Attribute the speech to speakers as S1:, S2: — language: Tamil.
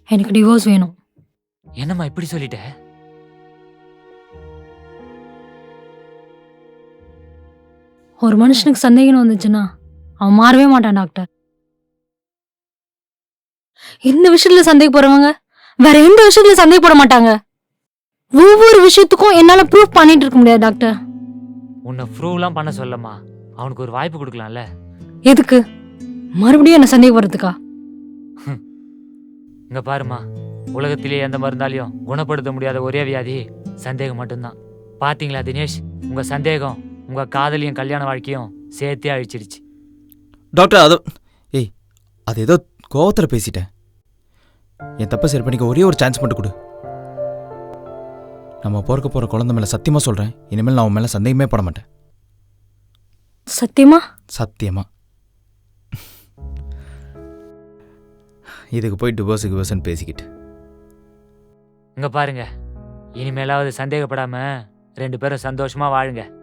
S1: எனக்கு டிவோர்ஸ் வேணும்.
S2: என்னம்மா இப்படி சொல்லிட்ட?
S1: ஒரு மனுஷனுக்கு சந்தேகம் வந்துச்சுன்னா அவன் மாறவே மாட்டான் டாக்டர். இந்த விஷயத்துல சந்தேகப்படுறவங்க வேற எந்த விஷயத்துல சந்தேகப்பட மாட்டாங்க. ஒவ்வொரு விஷயத்துக்கும் என்னால ப்ரூஃப் பண்ணிட்டு இருக்க முடியாது டாக்டர்.
S2: உன்னை ப்ரூவ்லாம் பண்ண சொல்லம்மா. அவனுக்கு ஒரு வாய்ப்பு கொடுக்கலாம்ல.
S1: எதுக்கு மறுபடியும் என்ன சந்தேகப்படுறதுக்கா?
S2: இங்க பாருமா, உலகத்திலேயே எந்த மருந்தாலையும் குணப்படுத்த முடியாத ஒரே வியாதி சந்தேகம் மட்டும்தான். பாத்தீங்களா தினேஷ், உங்க சந்தேகம் உங்க காதலியும் கல்யாண வாழ்க்கையும் சேர்த்தே அழிச்சிடுச்சு.
S3: டாக்டர் அது ஏதோ கோவத்தில் பேசிட்டேன். என் தப்பை சரி பண்ணிக்க ஒரே ஒரு சான்ஸ் மட்டும் கொடு. நம்ம பிறக்க போகிற குழந்தை மேலே சத்தியமாக சொல்கிறேன், இனிமேல் நான் உன் மேலே சந்தேகமே பட மாட்டேன்.
S1: சத்தியமா?
S3: சத்தியமா. இதுக்கு போய் டிவோர்ஸுன்னு பேசிக்கிட்டு.
S2: இங்க பாருங்க, இனிமேலாவது சந்தேகப்படாம 2 பேரும் சந்தோஷமா வாழுங்க.